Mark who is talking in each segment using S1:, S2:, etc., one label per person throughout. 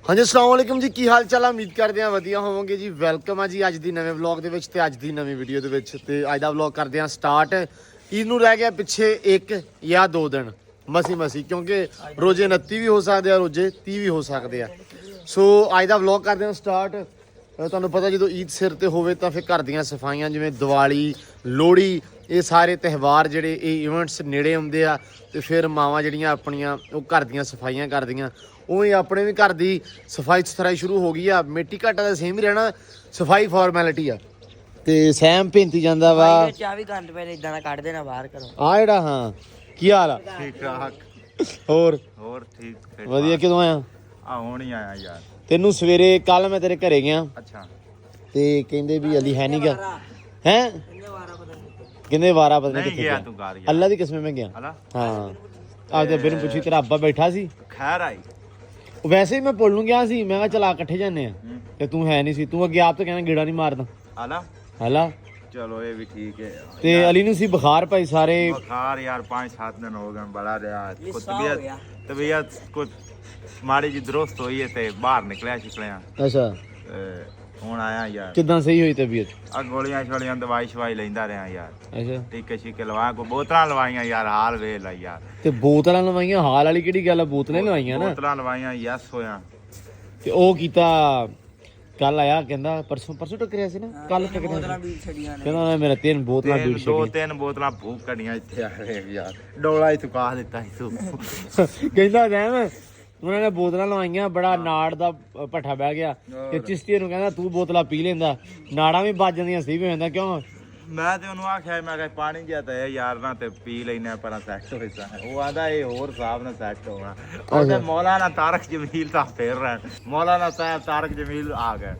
S1: ਹਾਂਜੀ अस्सलाम वालेकुम जी ਕੀ ਹਾਲ ਚਾਲ ਆ ਉਮੀਦ ਕਰਦੇ ਆ ਵਧੀਆ ਹੋਵੋਗੇ ਜੀ ਵੈਲਕਮ ਆ ਜੀ ਅੱਜ ਦੀ ਨਵੇਂ ਵਲੌਗ ਦੇ ਵਿੱਚ ਤੇ ਅੱਜ ਦੀ ਨਵੀਂ ਵੀਡੀਓ ਦੇ ਵਿੱਚ ਤੇ ਅੱਜ ਦਾ ਵਲੌਗ ਕਰਦੇ ਆ ਸਟਾਰਟ ਈਦ ਨੂੰ ਰਹਿ ਗਿਆ ਪਿੱਛੇ 1 ਜਾਂ 2 ਦਿਨ ਮਸੀ ਕਿਉਂਕਿ ਰੋਜ਼ੇ 29 ਵੀ ਹੋ ਸਕਦੇ ਆ ਰੋਜ਼ੇ 30 ਵੀ ਹੋ ਸਕਦੇ ਆ ਸੋ ਅੱਜ ਦਾ ਵਲੌਗ ਕਰਦੇ ਆ ਸਟਾਰਟ ਤੁਹਾਨੂੰ ਪਤਾ ਜਦੋਂ ਈਦ ਸਿਰ ਤੇ ਹੋਵੇ ਤਾਂ ਫਿਰ ਘਰ ਦੀਆਂ ਸਫਾਈਆਂ ਜਿਵੇਂ ਦੀਵਾਲੀ ਲੋਹੜੀ ਇਹ ਸਾਰੇ ਤਿਉਹਾਰ ਜਿਹੜੇ ਇਹ ਇਵੈਂਟਸ ਨੇੜੇ ਆਉਂਦੇ ਆ ਤੇ ਫਿਰ ਮਾਵਾਂ ਜਿਹੜੀਆਂ ਆਪਣੀਆਂ ਉਹ ਘਰ ਦੀਆਂ ਸਫਾਈਆਂ ਕਰਦੀਆਂ ਉਹ ਆਪਣੇ ਵੀ ਘਰ ਦੀ ਸਫਾਈ ਸੁਥਰਾਈ ਸ਼ੁਰੂ ਹੋ ਗਈ ਆ ਮਿੱਟੀ ਘਾਟਾ ਦਾ ਸੇਮ ਹੀ ਰਹਿਣਾ ਸਫਾਈ ਫਾਰਮੈਲਿਟੀ ਆ ਤੇ ਸੈਮ ਭਿੰਤੀ ਜਾਂਦਾ ਵਾ
S2: ਚਾਹ ਵੀ ਗੰਦ ਪਹਿਲੇ ਇਦਾਂ ਦਾ ਕੱਢ ਦੇਣਾ ਬਾਹਰ ਕਰੋ
S1: ਆ ਜਿਹੜਾ ਹਾਂ ਕੀ ਹਾਲ ਆ
S3: ਠੀਕ ਠਾਕ
S1: ਹੋਰ
S3: ਠੀਕ
S1: ਵਧੀਆ ਕਿਦੋਂ ਆਇਆ
S3: ਆ ਹੁਣ ਹੀ ਆਇਆ ਯਾਰ
S1: ਤੈਨੂੰ ਸਵੇਰੇ ਕੱਲ ਮੈਂ ਤੇਰੇ ਘਰੇ ਗਿਆ
S3: ਅੱਛਾ
S1: ਤੇ ਕਹਿੰਦੇ ਵੀ ਅਲੀ ਹੈ ਨਹੀਂਗਾ ਹੈ ਕਹਿੰਦੇ ਵਾਰਾ ਪਤਾ ਨਹੀਂ
S3: ਨਹੀਂ
S1: ਕਿੱਥੇ
S3: ਗਿਆ
S1: ਗਿਆ
S3: ਤੂੰ ਘਰ ਯਾਰ
S1: ਅੱਲਾ ਦੀ ਕਸਮ ਮੈਂ ਗਿਆ
S3: ਹਲਾ
S1: ਹਾਂ ਆਪਦੇ ਬਿਨ ਪੁੱਛੀ ਤੇਰਾ ਅੱਬਾ ਬੈਠਾ ਸੀ
S3: ਖੈਰ ਆਈ
S1: ਵੈਸੇ ਹੀ ਮੈਂ ਪੁੱਲ ਨੂੰ ਗਿਆ ਸੀ ਮੈਂ ਕਿਹਾ ਚਲਾ ਇਕੱਠੇ ਜਾਂਦੇ ਆ ਤੇ ਤੂੰ ਹੈ ਨਹੀਂ ਸੀ ਤੂੰ ਅੱਗੇ ਆਪ ਤਾਂ ਕਹਿੰਦਾ ਗੇੜਾ ਨਹੀਂ ਮਾਰਦਾ
S3: ਹਲਾ
S1: ਹਲਾ
S3: ਚਲੋ ਇਹ ਵੀ ਠੀਕ ਹੈ
S1: ਤੇ ਅਲੀ ਨੂੰ ਸੀ ਬੁਖਾਰ ਭਾਈ ਸਾਰੇ
S3: ਬੁਖਾਰ ਯਾਰ 5-7 दिन हो गए बड़ा रहा कुछ तबीयत कुछ माड़ी जी दुरुस्त हुई है ते बाहर निकलिया शिकलिया
S1: ਅੱਛਾ
S3: ਹੁਣ ਆਇਆ ਯਾਰ
S1: ਕਿਦਾਂ ਸਹੀ ਹੋਈ ਤਬੀਅਤ
S3: ਆ ਗੋਲੀਆਂ ਛੋਲੀਆਂ ਦਵਾਈ ਸ਼ਵਾਈ ਲੈਂਦਾ ਰਿਹਾ ਯਾਰ
S1: ਅੱਛਾ
S3: ਟੀਕੇ ਸ਼ੀਕੇ ਲਵਾ ਕੋ ਬੋਤਲਾਂ ਲਵਾਈਆਂ ਯਾਰ ਹਾਲ ਵੇਖ ਲੈ ਯਾਰ
S1: ਤੇ ਬੋਤਲਾਂ ਲਵਾਈਆਂ ਹਾਲ ਵਾਲੀ ਕਿਹੜੀ ਗੱਲ ਆ ਬੋਤਲਾਂ ਹੀ ਲਵਾਈਆਂ ਨਾ
S3: ਬੋਤਲਾਂ ਲਵਾਈਆਂ ਯਸ ਹੋਇਆ
S1: ਤੇ ਉਹ ਕੀਤਾ ਕੱਲ ਆਇਆ ਕਹਿੰਦਾ ਪਰਸੋਂ ਟੱਕਰਿਆ ਸੀ ਨਾ ਕੱਲ ਟੱਕਰਿਆ
S2: ਵੀ ਛੜੀਆਂ ਨੇ
S1: ਕਹਿੰਦਾ ਮੇਰਾ 3 ਬੋਤਲਾਂ ਡੂੜ
S3: ਦੋ ਤਿੰਨ ਬੋਤਲਾਂ ਭੂਕ ਕੱਢੀਆਂ ਇੱਥੇ ਆ ਰਹੇ ਯਾਰ ਡੋਲਾ ਹੀ ਚੁਕਾ ਦਿੱਤਾ ਸੀ ਤੂੰ
S1: ਕਹਿੰਦਾ ਰਹਿਮ ਉਹਨਾਂ ਨੇ ਬੋਤਲਾਂ ਲਵਾਈਆਂ ਬੜਾ ਨਾੜ ਦਾ ਭੱਠਾ ਬਹਿ ਗਿਆ ਤੇ ਚਿਸ਼ਤੀ ਨੂੰ ਕਹਿੰਦਾ ਤੂੰ ਬੋਤਲਾਂ ਪੀ ਲੈਂਦਾ ਨਾੜਾਂ ਵੀ ਵੱਜ ਜਾਂਦੀਆਂ ਸੀ ਵੀ ਹੁੰਦਾ ਕਿਉਂ
S3: ਮੈਂ ਤੇ ਉਹਨੂੰ ਆਖਿਆ ਮੈਂ ਕਿਹਾ ਪਾਣੀ ਜਿਹਾ ਤਾਂ ਯਾਰ ਨਾ ਤੇ ਪੀ ਲੈਣਾ ਪਰ ਸੈੱਟ ਹੋਇਆ ਉਹ ਆਦਾ ਇਹ ਹੋਰ ਹਿਸਾਬ ਨਾਲ ਸੈੱਟ ਹੋਣਾ ਉਹਦੇ ਮੌਲਾਨਾ ਤਾਰਕ ਜਮੀਲ ਤਾਂ ਫੇਰ ਰਹਿਣ ਮੌਲਾਨਾ ਸਾਹਿਬ ਤਾਰਕ ਜਮੀਲ ਆ ਗਏ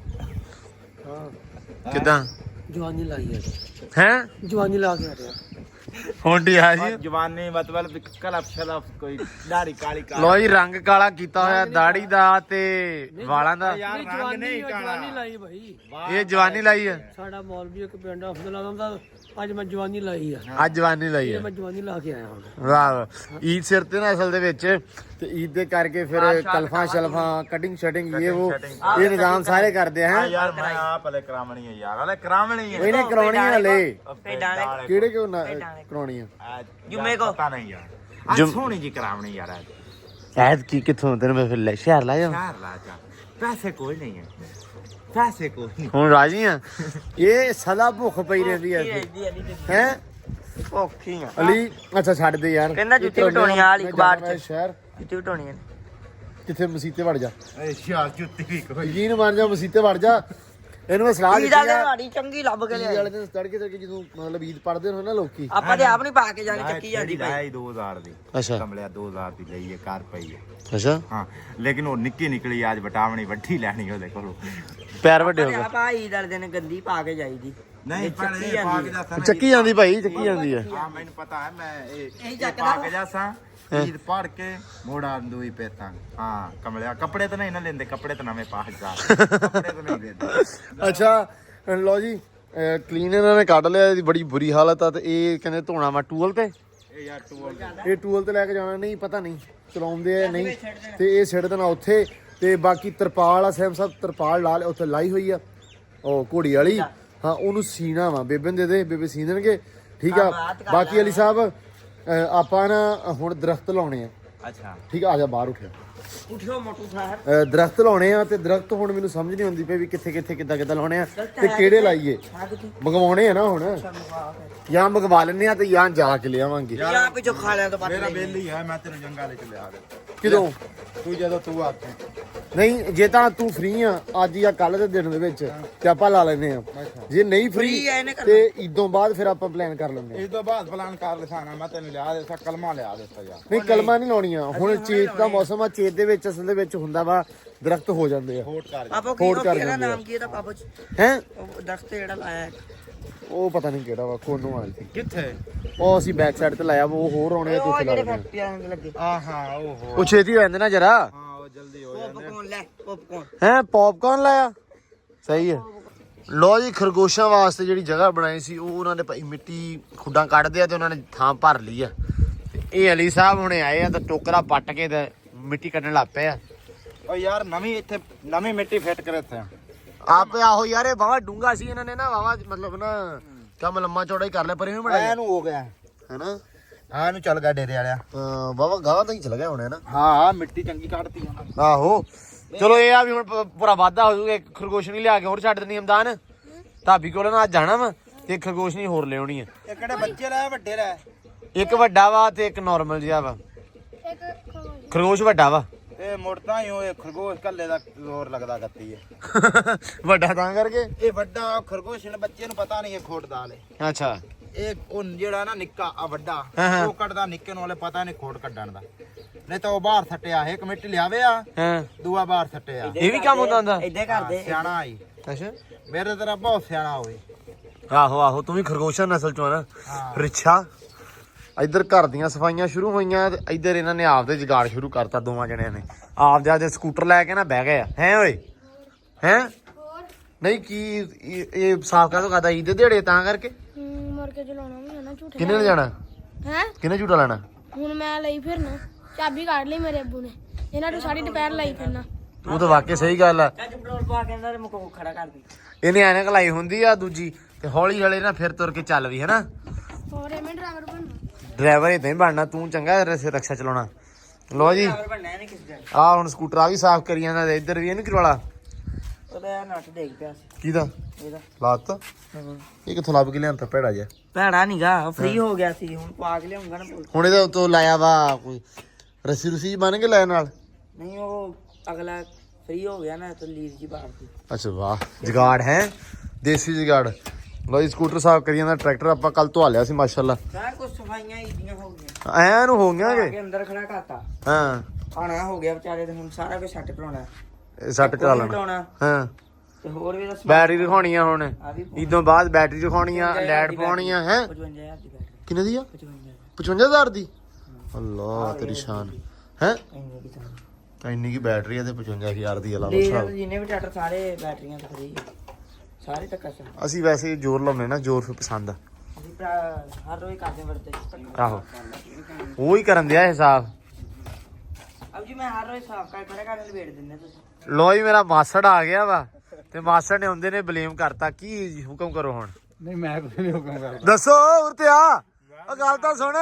S1: ਕਿਦਾਂ
S2: ਜਵਾਨੀ ਲਾਈ
S1: ਹੈ
S2: ਜਵਾਨੀ ਲਾ ਕੇ ਹਟਿਆ
S1: ਹੁੰਡੀ ਆ ਜੀ
S3: ਜਵਾਨੀ ਮਤਲਬ ਕਲਪ ਸ਼ਲਪ ਕੋਈ ਦਾੜੀ ਕਾਲੀ ਕਾਲੀ
S1: ਲੋ ਜੀ ਰੰਗ ਕਾਲਾ ਕੀਤਾ ਹੋਇਆ ਦਾੜੀ ਦਾ ਤੇ ਵਾਲਾਂ ਦਾ
S3: ਯਾਰ ਰੰਗ ਨਹੀਂ ਕਾਲਾ
S2: ਲਾਈ ਭਾਈ
S1: ਇਹ ਜਵਾਨੀ ਲਾਈ ਆ
S2: ਸਾਡਾ ਮੌਲਵੀ ਇੱਕ ਪਿੰਡ ਅਫਜ਼ਲ ਆਦਮ ਦਾ ਅੱਜ ਮੈਂ ਜਵਾਨੀ ਲਾਈ ਆ
S1: ਅੱਜ ਜਵਾਨੀ ਲਾਈ ਆ
S2: ਮੈਂ ਜਵਾਨੀ ਲਾ ਕੇ ਆਇਆ ਹੁਣ
S1: ਵਾਹ ਈਦ ਸਿਰ ਤੇ ਨਾ ਅਸਲ ਦੇ ਵਿੱਚ ਤੇ ਈਦ ਦੇ ਕਰਕੇ ਫਿਰ ਕਲਫਾਂ ਸ਼ਲਫਾਂ ਕਟਿੰਗ ਸ਼ਟਿੰਗ ਇਹ ਨਿਜ਼ਾਮ ਸਾਰੇ ਕਰਦੇ ਹੈ
S3: ਯਾਰ ਮੈਂ ਆਪ ਹਲੇ ਕਰਾਵਣੀ ਹੈ ਯਾਰ ਹਲੇ ਕਰਾਵਣੀ ਹੈ
S1: ਇਹਨੇ ਕਰਾਉਣੀ ਆ ਹਲੇ
S2: ਭੇਡਾਂ
S1: ਕਿਹੜੇ ਕਿਉਂ ਕਰਾਉਣੀ ਆ
S2: ਜੁਮੇ ਕੋ
S3: ਪਤਾ ਨਹੀਂ ਯਾਰ ਅੱਜ ਸੋਹਣੀ ਜੀ ਕਰਾਵਣੀ ਯਾਰ
S1: ਐਦ ਕੀ ਕਿੱਥੋਂ ਤੈਨੂੰ ਮੈਂ ਫਿਰ ਲੈ ਸ਼ਹਿਰ ਲਾ ਜਾ
S3: ਸ਼ਹਿਰ ਲਾ ਜਾ ਪੈਸੇ ਕੋਈ ਨਹੀਂ ਹੈ ਪੈਸੇ ਕੋਈ ਨਹੀਂ
S1: ਹੁਣ ਰਾਜੀ ਆ ਇਹ ਸਦਾ ਭੁੱਖ ਪਈ ਰਹਿੰਦੀ ਐ ਹੈ
S2: ਭੁੱਖੀ ਆ
S1: ਅਲੀ ਅੱਛਾ ਛੱਡ ਦੇ ਯਾਰ
S2: ਕਹਿੰਦਾ ਜੁੱਤੀ ਵਟਾਉਣੀ ਆ ਵਾਲੀ ਅਖਬਾਰ ਚ
S1: ਸ਼ਹਿਰ
S2: ਜੁੱਤੀ ਵਟਾਉਣੀ ਆ
S1: ਕਿੱਥੇ ਮਸੀਤੇ ਵੜ ਜਾ
S3: ਯਾਰ ਜੁੱਤੀ ਵੀ ਕੋਈ
S1: ਯਕੀਨ ਮੰਨ ਜਾ ਮਸੀਤੇ ਵੜ ਜਾ ਇਹਨੂੰ ਮੈਂ ਸਲਾਹ ਦਿੱਤੀ ਆ
S2: ਸਾਡੀ ਚੰਗੀ ਲੱਭ ਕੇ
S1: ਈਦ
S2: ਲਿਆ
S1: ਵਾਲੇ ਦਿਨ ਤੜਕੇ ਜਦੋਂ ਮਤਲਬ ਈਦ ਪੜਦੇ ਹੋ ਨਾ ਲੋਕੀ
S2: ਆਪਾਂ ਤੇ ਆਪ ਨਹੀਂ ਪਾ ਕੇ ਜਾਣੀ ਚੱਕੀ ਜਾਂਦੀ
S3: ਭਾਈ 2000 ਦੀ
S1: ਅੱਛਾ
S3: ਕਮਲਿਆ 2000 ਦੀ ਲਈ ਹੈ ਕਾਰ ਪਈ ਹੈ
S1: ਅੱਛਾ
S3: ਹਾਂ ਲੇਕਿਨ ਉਹ ਨਿੱਕੀ ਨਿਕਲੀ ਅੱਜ ਬਟਾਵਣੀ ਵੱਡੀ ਲੈਣੀ ਉਹਦੇ ਕੋਲੋਂ
S1: ਪੈਰ ਵੱਡੇ ਹੋ ਗਏ
S2: ਆਪਾਂ ਈਦ ਵਾਲੇ ਦਿਨ ਗੰਦੀ ਪਾ ਕੇ ਜਾਈਦੀ
S3: ਨਹੀਂ ਪਰ ਇਹ ਪਾ ਕੇ ਜਾਸਾਂ
S1: ਚੱਕੀ ਜਾਂਦੀ ਭਾਈ ਚੱਕੀ ਜਾਂਦੀ ਹੈ
S3: ਹਾਂ ਮੈਨੂੰ ਪਤਾ ਹੈ ਮੈਂ ਇਹ ਪਾ ਕੇ ਜਾਸਾਂ ਈਦ ਪੜ ਕੇ ਮੋੜਾ ਦੂਈ ਪੇਤਾਂ ਹਾਂ ਕਮਲਿਆ ਕੱਪੜੇ ਤਾਂ ਨਹੀਂ ਨਾ ਲੈਂਦੇ ਕੱਪੜੇ ਤਾਂ ਨਵੇਂ ਪਾ ਜਾ ਕੱਪੜੇ ਤਾਂ ਨਹੀਂ ਲੈਂਦੇ
S1: ਅੱਛਾ ਲਓ ਜੀ ਕਲੀਨ ਇਹਨਾਂ ਨੇ ਕੱਢ ਲਿਆ ਇਹਦੀ ਬੜੀ ਬੁਰੀ ਹਾਲਤ ਆ ਤੇ ਇਹ ਕਹਿੰਦੇ ਧੋਣਾ ਵਾ ਟੂਲ ਤੇ
S3: ਇਹ ਯਾਰ ਟੂਲ
S1: ਇਹ ਟੂਲ ਤੇ ਲੈ ਕੇ ਜਾਣਾ ਨਹੀਂ ਪਤਾ ਨਹੀਂ ਚਲਾਉਂਦੇ ਆ ਨਹੀਂ ਤੇ ਇਹ ਸਿੱਟ ਦੇਣਾ ਉੱਥੇ ਤੇ ਬਾਕੀ ਤਰਪਾਲ ਆ ਸੈਮ ਸਾਹਿਬ ਤਰਪਾਲ ਲਾ ਉੱਥੇ ਲਾਈ ਹੋਈ ਆ ਉਹ ਘੋੜੀ ਵਾਲੀ ਹਾਂ ਉਹਨੂੰ ਸੀਣਾ ਵਾ ਬੇਬੇ ਦੇ ਦੇ ਬੇਬੇ ਸੀ ਦੇਣਗੇ ਠੀਕ ਆ ਬਾਕੀ ਅਲੀ ਸਾਹਿਬ ਆਪਾਂ ਨਾ ਹੁਣ ਦਰਖਤ ਲਾਉਣੇ ਆ
S3: ਅੱਛਾ
S1: ਠੀਕ ਆ ਜਾ ਬਾਹਰ ਉੱਠਿਆ
S2: ਉਠਿਓ ਮੋਟੂ ਸਾਹਿਬ
S1: ਦਰਖਤ ਲਾਉਣੇ ਆ ਤੇ ਦਰਖਤ ਹੁਣ ਮੈਨੂੰ ਸਮਝ ਨਹੀਂ ਆਉਂਦੀ ਪਈ ਵੀ ਕਿੱਥੇ ਕਿੱਥੇ ਕਿੱਦਾਂ ਕਿੱਦਾਂ ਲਾਉਣੇ ਆ ਤੇ ਕਿਹੜੇ ਲਾਈਏ ਮੰਗਵਾਉਣੇ ਆ ਨਾ ਹੁਣ ਜਾਂ ਮੰਗਵਾ ਲੈਣੇ ਆ ਤੇ ਜਾਂ ਜਾ ਕੇ ਲਿਆਵਾਂਗੇ
S2: ਜਾਂ ਪਿੱਛੋਂ ਖਾ ਲਿਆ ਤਾਂ ਪੱਟ
S3: ਮੇਰਾ ਬਿੱਲ ਹੀ ਹੈ ਮੈਂ ਤੈਨੂੰ ਜੰਗਾ ਲੈ ਕੇ ਲਿਆ ਦੇ
S1: ਕਿਦੋਂ
S3: ਤੂੰ ਜਦੋਂ ਤੂੰ ਆਤੇ
S1: ਨਹੀਂ ਜੇ ਤਾਂ ਤੂੰ ਫ੍ਰੀ ਆ ਅੱਜ ਜਾਂ ਕੱਲ ਦੇ ਦਿਨ ਦੇ ਵਿੱਚ ਤੇ ਆਪਾਂ ਲਾ ਲੈਨੇ ਆ ਜੇ ਨਹੀਂ ਫ੍ਰੀ ਤੇ ਇਦੋਂ ਬਾਅਦ ਫਿਰ ਆਪਾਂ ਪਲਾਨ ਕਰ ਲੈਂਦੇ ਆ
S3: ਇਸ ਤੋਂ ਬਾਅਦ ਪਲਾਨ ਕਰ ਲਿਖਾਣਾ ਮੈਂ ਤੈਨੂੰ ਲਿਆ ਦੇ ਕਲਮਾ ਲਿਆ ਦਿੱਤਾ ਯਾਰ
S1: ਨਹੀਂ ਕਲਮਾਂ ਨਹੀਂ ਲਾਉਣੀਆਂ ਹੁਣ ਚੇਤ ਦਾ ਮੌਸਮ ਆ ਚੇਤ ਦੇ ਵਿੱਚ ਅਸਲ ਦੇ ਵਿੱਚ ਹੁੰਦਾ ਵਾ ਦਰਖਤ ਹੋ ਜਾਂਦੇ ਆ
S3: ਹੋਟ ਕਰ
S2: ਪਾਪਾ
S1: ਹੋੜ ਕਰ
S2: ਕਿਹੜਾ
S1: ਜਾਂਦੇ ਆ।
S2: ਨਾਮ ਕੀ ਇਹਦਾ ਪਾਪਾ ਚ
S1: ਹੈ
S2: ਉਹ ਦਰਖਤ ਜਿਹੜਾ ਲਾਇਆ ਹੈ
S1: ਉਹ ਪਤਾ ਨਹੀਂ ਕਿਹੜਾ ਵਾ ਕੋਨੋਂ ਵਾਲੀ ਸੀ
S3: ਕਿੱਥੇ
S1: ਉਹ ਅਸੀਂ ਬੈਕ ਸਾਈਡ ਤੇ ਲਾਇਆ ਵਾ ਉਹ ਹੋਰ ਆਉਣੇ ਆ
S2: ਉਹ
S1: ਤੁਸੀਂ ਲਾ
S2: ਜਿਹੜੇ
S1: ਲੈਣੇ
S2: ਫੈਕਟਰੀਆਂ ਦੇ ਲੱਗੇ
S3: ਆ ਹਾਂ ਓਹੋ
S1: ਉਹ ਛੇਤੀ ਹੋ ਜਾਂਦੇ ਨਾ ਜਰਾ
S3: ਹਾਂ ਉਹ ਜਲਦੀ ਹੋ
S2: ਪੌਪਕੌਰਨ ਲੈ ਪੌਪਕੌਰਨ
S1: ਹੈ ਪੌਪਕਾਰਨ ਲਾਇਆ ਸਹੀ ਹੈ ਲੋ ਜੀ ਖਰਗੋਸ਼ਾਂ ਵਾਸਤੇ ਜਿਹੜੀ ਜਗ੍ਹਾ ਬਣਾਈ ਸੀ ਉਹ ਉਹਨਾਂ ਨੇ ਭਾਈ ਮਿੱਟੀ ਖੁੱਡਾਂ ਕੱਢਦੇ ਆ ਤੇ ਉਹਨਾਂ ਨੇ ਥਾਂ ਭਰ ਲਈ ਆ ਤੇ ਇਹ ਅਲੀ ਸਾਹਿਬ ਹੁਣੇ ਆਏ ਆ ਤਾਂ ਟੋਕਰਾ ਪੱਟ ਕੇ ਤੇ ਮਿੱਟੀ ਕੱਢਣ ਲੱਗ ਪਏ ਆ
S3: ਉਹ ਯਾਰ ਨਵੀਂ ਇੱਥੇ ਨਵੀਂ ਮਿੱਟੀ ਫਿੱਟ ਕਰੇ ਇੱਥੇ
S1: ਆਪੇ ਆਹੋ ਯਾਰ ਇਹ ਵਾਵਾ ਡੂੰਗਾ ਸੀ ਇਹਨਾਂ ਨੇ ਨਾ ਵਾਵਾ ਮਤਲਬ ਨਾ ਕੰਮ ਲੰਮਾ ਚੌੜਾ ਹੀ ਕਰ ਲਿਆ ਪਰ ਇਹਨੂੰ ਬਣਾਇਆ
S3: ਇਹਨੂੰ ਹੋ ਗਿਆ
S1: ਹੈਨਾ
S3: ਹਾਂ ਇਹਨੂੰ ਚੱਲ ਗਿਆ ਡੇਰੇ ਵਾਲਿਆ
S1: ਵਾਵਾ ਗਾਹ ਤਾਂ ਹੀ ਚਲ ਗਿਆ ਹੁਣ ਨਾ
S3: ਹਾਂ ਮਿੱਟੀ ਚੰਗੀ ਕੱਢਤੀ
S1: ਆਹੋ ਚਲੋ ਇਹ ਆ ਵੀ ਹੁਣ ਪੂਰਾ ਵਾਧਾ ਹੋ ਜਾਊਗਾ ਇੱਕ ਖਰਗੋਸ਼ ਨਹੀਂ ਲਿਆ ਕੇ ਹੋਰ ਛੱਡ ਦੇਣੀ ਹਮਦਾਨ ਭਾਬੀ ਕੋਲ ਨਾ ਅੱਜ ਜਾਣਾ ਵਾ ਤੇ ਇੱਕ ਖਰਗੋਸ਼ ਨਹੀਂ ਹੋਰ ਲਿਆਉਣੀ ਆ
S3: ਇਹ ਕਿਹੜੇ ਬੱਚੇ ਲੈ ਵੱਡੇ ਲੈ
S1: ਇੱਕ ਵੱਡਾ ਵਾ ਤੇ ਇੱਕ ਨਾਰਮਲ ਜਿਹਾ ਵਾ ਖਰਗੋਸ਼ ਵੱਡਾ ਵਾ
S3: ਇਹ ਮੁੜਦਾ ਹੀ ਉਹ ਖਰਗੋਸ਼ ਕੱਲੇ ਦਾ ਜ਼ੋਰ ਲੱਗਦਾ ਗੱਤੀ ਹੈ
S1: ਵੱਡਾ ਤਾਂ ਕਰਕੇ
S3: ਇਹ ਵੱਡਾ ਖਰਗੋਸ਼ ਨੇ ਬੱਚੇ ਨੂੰ ਪਤਾ ਨਹੀਂ ਇਹ ਖੋਟ ਦਾ ਲੈ
S1: ਅੱਛਾ
S3: ਇਹ ਉਹ ਜਿਹੜਾ ਨਾ ਨਿੱਕਾ ਆ ਵੱਡਾ ਉਹ ਕੱਢਦਾ ਨਿੱਕੇ ਨੂੰ ਵਾਲੇ ਪਤਾ ਨਹੀਂ ਖੋਟ ਕੱਢਣ ਦਾ ਨਹੀਂ ਤਾਂ ਉਹ ਬਾਹਰ ਸੱਟਿਆ ਇਹ ਕਮੇਟੀ ਲਿਆਵੇ ਆ
S1: ਹਾਂ
S3: ਦੂਆ ਬਾਹਰ ਸੱਟਿਆ
S1: ਇਹ ਵੀ ਕੰਮ ਹੁੰਦਾ ਹੁੰਦਾ
S3: ਇੱਦੇ ਕਰਦੇ ਸਿਆਣਾ ਆਈ
S1: ਅੱਛਾ
S3: ਮੇਰੇ ਤਰ੍ਹਾਂ ਬਹੁਤ ਸਿਆਣਾ ਹੋਵੇ
S1: ਆਹੋ ਆਹੋ ਤੂੰ ਵੀ ਖਰਗੋਸ਼ਾਂ ਨਸਲ ਚੋਂ ਆ ਨਾ ਰਿਛਾ ਇੱਧਰ ਘਰ ਦੀਆਂ ਸਫਾਈਆਂ ਸ਼ੁਰੂ ਹੋਈਆਂ ਤੇ ਇੱਧਰ ਇਹਨਾਂ ਨੇ ਆਪਦੇ ਜੁਗਾੜ ਸ਼ੁਰੂ ਕਰਤਾ ਦੋਵਾਂ ਜਣਿਆਂ ਨੇ ਆਪਦੇ ਸਕੂਟਰ ਲੈ ਕੇ ਨਾ ਬਹਿ ਗਏ ਆ ਹੈ ਓਏ ਹੈ ਨਹੀਂ ਕੀ ਇਹ ਸਾਫ ਕਾਹਤੋਂ ਕਰਦਾ ਇਹਦੇ ਦਿਹਾੜੇ ਤਾਂ ਕਰਕੇ
S4: ਮਰ ਕੇ ਚਲਾਉਣਾ ਵੀ ਹੈ ਨਾ ਝੂਠੇ
S1: ਕਿਹਨੇ ਲੈ ਜਾਣਾ
S4: ਹੈ
S1: ਕਿਹਨੇ ਝੂਟਾ ਲੈਣਾ
S4: ਹੁਣ ਮੈਂ ਲਈ ਫਿਰਨਾ ਚਾਬੀ ਕੱਢ ਲਈ ਮੇਰੇ ਅੱਬੂ ਨੇ ਇਹਨਾਂ ਨੂੰ ਸਾਰੀ ਦੁਪਹਿਰ ਲਈ ਫਿਰਨਾ
S1: ਉਹ ਤਾਂ ਵਾਕਿਆ ਸਹੀ ਗੱਲ ਆ
S2: ਪੈਟਰੋਲ ਪਾ ਕੇ ਅੰਦਰ ਮੁਕੋ ਖੜਾ ਕਰ ਦੇ
S1: ਇਹਨੇ ਐਨਕ ਲਾਈ ਹੁੰਦੀ ਆ ਦੂਜੀ ਤੇ ਹੌਲੀ ਹੌਲੀ ਨਾ ਫਿਰ ਤੁਰ ਕੇ ਚੱਲ ਵੀ ਹੈਨਾ
S4: ਹੋਰ ਐਵੇਂ ਡਰਾਈਵਰ ਬਣਨਾ
S1: ਡਰਾਈਵਰ ਇਦਾਂ ਹੀ ਬਣਨਾ ਤੂੰ ਚੰਗਾ ਰਕਸ਼ਾ ਚਲਾਉਣਾ ਲੋ ਜੀ
S2: ਬਣਨਾ ਨਹੀਂ ਕਿਸੇ ਦਾ
S1: ਆ ਹੁਣ ਸਕੂਟਰ ਆ ਵੀ ਸਾਫ਼ ਕਰੀ ਜਾਂਦਾ ਤੇ ਇੱਧਰ ਵੀ ਇਹਨੂੰ ਕਰਵਾਲਾ
S2: ਉਹਦਾ ਨੱਟ ਦੇਖ ਪਿਆ ਸੀ
S1: ਕਿਹਦਾ
S2: ਇਹਦਾ
S1: ਲਾਤ ਇਹ ਕਿੱਥੋਂ ਲੱਭ ਕੇ ਲਿਆਂਦਾ ਭੈੜਾ ਜਿਹਾ
S2: ਭੈੜਾ ਨੀਗਾ ਫ੍ਰੀ ਹੋ ਗਿਆ ਸੀ ਹੁਣ ਪਾ ਕੇ ਲਿਆਉਂਗਾ ਨਾ
S1: ਹੁਣ ਇਹਦੇ ਉੱਤੋਂ ਲਾਇਆ ਵਾ ਕੋਈ ਰੱਸੀ ਰੁਸੀ ਬਣ ਕੇ ਲੈ ਨਾਲ
S2: ਨਹੀਂ ਉਹ ਅਗਲਾ ਫ੍ਰੀ ਹੋ ਗਿਆ ਨਾ ਤਾਂ ਲੀਰ ਜੀ ਬਾਹਰ
S1: ਅੱਛਾ ਵਾਹ ਜਗਾੜ ਹੈ ਦੇਸੀ ਜਗਾੜ ਲੋ ਜੀ ਸਕੂਟਰ ਸਾਫ਼ ਕਰੀ ਜਾਂਦਾ ਟਰੈਕਟਰ ਆਪਾਂ ਕੱਲ ਧਵਾ ਲਿਆ ਸੀ ਮਾਸ਼ਾਅੱਲਾ
S2: ਸਾਰਾ ਕੁਝ ਸਫਾਈਆਂ ਈਦੀਆਂ ਹੋ ਗਈਆਂ
S1: ਐ ਨੂੰ ਹੋ ਗਿਆ
S2: ਕੇ
S1: ਕਿ
S2: ਅੰਦਰ ਖੜਾ ਕਰਤਾ
S1: ਹਾਂ
S2: ਖਾਣਾ ਹੋ ਗਿਆ ਵਿਚਾਰੇ ਤੇ ਹੁਣ ਸਾਰਾ ਕੁਝ ਸੈੱਟ ਕਰਾਉਣਾ
S1: ਇਹ ਸੱਟ ਕਰਾ ਲੈਣਾ
S2: ਲਾਉਣਾ
S1: ਹਾਂ
S2: ਤੇ ਹੋਰ ਵੀ ਦੱਸ
S1: ਬੈਟਰੀ ਦਿਖਾਉਣੀ ਆ ਹੁਣ
S2: ਆ ਵੀ
S1: ਇਦੋਂ ਬਾਅਦ ਬੈਟਰੀ ਦਿਖਾਉਣੀ ਆ ਲਾਈਟ ਪਾਉਣੀ ਆ ਹੈ
S2: 55000 ਦੀ ਬੈਟਰੀ
S1: ਕਿੰਨੇ ਦੀ ਆ
S2: 55000
S1: 55000 ਦੀ ਅੱਲਾ ਤੇਰੀ ਸ਼ਾਨ ਹੈ
S2: ਇੰਨੀ ਕੀ ਤਾਂ
S1: ਤਾਂ ਇੰਨੀ ਕੀ ਬੈਟਰੀ ਆ ਤੇ 55000 ਦੀ ਆ ਲਾ ਲਓ
S2: ਲੈ
S1: ਹਿਸਾਬ।
S2: ਜਿੰਨੇ ਵੀ ਟਰੈਕਟਰ ਸਾਰੇ ਬੈਟਰੀਆਂ ਤੇ ਫਰੀ ਸਾਰੇ ਤੱਕ ਅਸਰ
S1: ਅਸੀਂ ਵੈਸੇ ਜ਼ੋਰ ਲਾਉਨੇ ਨਾ ਜ਼ੋਰ ਫਿਰ ਪਸੰਦ ਆ
S2: ਅਸੀਂ ਭਰਾ ਹਰ ਰੋਜ਼ ਕਰਦੇ ਵਰਤੇ
S1: ਆਹੋ ਉਹ ਹੀ ਕਰਨ ਦਿਆ ਹਿਸਾਬ
S2: ਅਬ ਜੀ ਮੈਂ ਹਰ ਰੋਜ਼ ਸਾਫ ਕਰ ਖੜਾ ਕਰਨ ਲਵੇੜ ਦਿੰਦੇ ਤੁਸੀਂ
S1: ਲੋ ਜੀ ਮੇਰਾ ਮਾਸੜ ਆ ਗਿਆ ਵਾ ਤੇ ਮਾਸੜ ਨੇ ਹੁੰਦੇ ਨੇ ਬਲੇਮ ਕਰਤਾ ਕੀ ਹੁਕਮ ਕਰੋ ਹੁਣ
S3: ਨਹੀਂ ਮੈਂ ਕੁਝ ਨਹੀਂ ਹੁਕਮ ਕਰਦਾ
S1: ਦੱਸੋ ਉਰਤੇ ਆ ਉਹ ਗੱਲ ਤਾਂ ਸੁਣ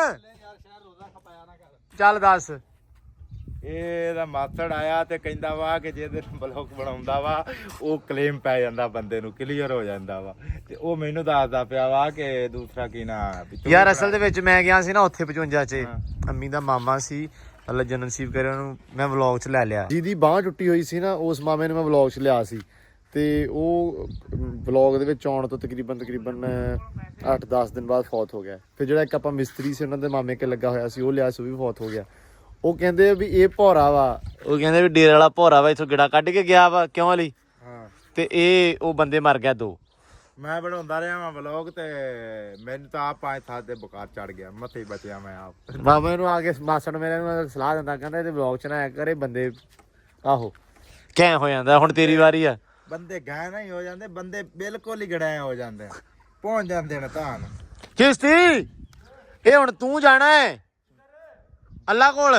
S1: ਚੱਲ ਦੱਸ
S3: ਇਹਦਾ ਮਾਸੜ ਆਇਆ ਤੇ ਕਹਿੰਦਾ ਵਾ ਕਿ ਜਿਹਦੇ ਬਲੌਗ ਬਣਾਉਂਦਾ ਵਾ ਉਹ ਕਲੇਮ ਪੈ ਜਾਂਦਾ ਬੰਦੇ ਨੂੰ ਕਲੀਅਰ ਹੋ ਜਾਂਦਾ ਵਾ ਤੇ ਉਹ ਮੈਨੂੰ ਦੱਸਦਾ ਪਿਆ ਵਾ ਕਿ ਦੂਸਰਾ ਕੀ ਨਾ
S1: ਯਾਰ ਅਸਲ ਦੇ ਵਿੱਚ ਮੈਂ ਗਿਆ ਸੀ ਨਾ ਉੱਥੇ 55 ਚ ਅੰਮੀ ਦਾ ਮਾਮਾ ਸੀ ਅੱਲਾ ਜਨਮ ਨਸੀਬ ਕਰੇ ਉਹਨੂੰ ਮੈਂ ਵਲੌਗ ਚ ਲੈ ਲਿਆ ਜਿਹਦੀ ਬਾਹ ਟੁੱਟੀ ਹੋਈ ਸੀ ਨਾ ਉਸ ਮਾਮੇ ਨੂੰ ਮੈਂ ਵਲੌਗ ਚ ਲਿਆ ਸੀ ਤੇ ਉਹ ਵਲੌਗ ਦੇ ਵਿੱਚ ਆਉਣ ਤੋਂ ਤਕਰੀਬਨ 8-10 ਦਿਨ ਬਾਅਦ ਫੌਤ ਹੋ ਗਿਆ ਫਿਰ ਜਿਹੜਾ ਇੱਕ ਆਪਾਂ ਮਿਸਤਰੀ ਸੀ ਉਹਨਾਂ ਦੇ ਮਾਮੇ ਕੇ ਲੱਗਾ ਹੋਇਆ ਸੀ ਉਹ ਲਿਆ ਸੀ ਉਹ ਵੀ ਫੌਤ ਹੋ ਗਿਆ ਉਹ ਕਹਿੰਦੇ ਵੀ ਇਹ ਭੌਰਾ ਵਾ ਉਹ ਕਹਿੰਦੇ ਵੀ ਡੇਰੇ ਵਾਲਾ ਭੌਰਾ ਵਾ ਇੱਥੋਂ ਗਿੜਾ ਕੱਢ ਕੇ ਗਿਆ ਵਾ ਕਿਉਂ ਲਈ ਤੇ ਇਹ ਉਹ ਬੰਦੇ ਮਰ ਗਿਆ 2
S3: ਮੈਂ ਬਣਾਉਂਦਾ ਰਿਹਾ ਵਾਂ ਵਲੌਗ ਤੇ ਮੈਨੂੰ ਤਾਂ ਆਪ 5 ਸਾਲ ਦੇ ਬੁਖਾਰ ਚੜ ਗਿਆ ਮੱਥੇ ਹੀ ਬਚਿਆ ਮੈਂ ਆਪ
S1: ਮਾਮੇ ਨੂੰ ਆ ਕੇ ਮਾਸੜ ਮੇਰੇ ਨੂੰ ਸਲਾਹ ਦਿੰਦਾ ਕਹਿੰਦਾ ਇਹਦੇ ਵਲੌਗ ਚ ਨਾ ਆਇਆ ਕਰੇ ਬੰਦੇ ਆਹੋ ਕਹਿ ਹੋ ਜਾਂਦਾ ਹੁਣ ਤੇਰੀ ਵਾਰੀ ਆ
S3: ਬੰਦੇ ਗਾਇ ਨਹੀਂ ਹੋ ਜਾਂਦੇ ਬੰਦੇ ਬਿਲਕੁਲ ਹੀ ਗੜਾਏ ਹੋ ਜਾਂਦੇ ਪਹੁੰਚ ਜਾਂਦੇ ਨੇ ਤਾਂ
S1: ਕਿਸ਼ਤੀ ਇਹ ਹੁਣ ਤੂੰ ਜਾਣਾ ਹੈ ਅੱਲਾ ਕੋਲ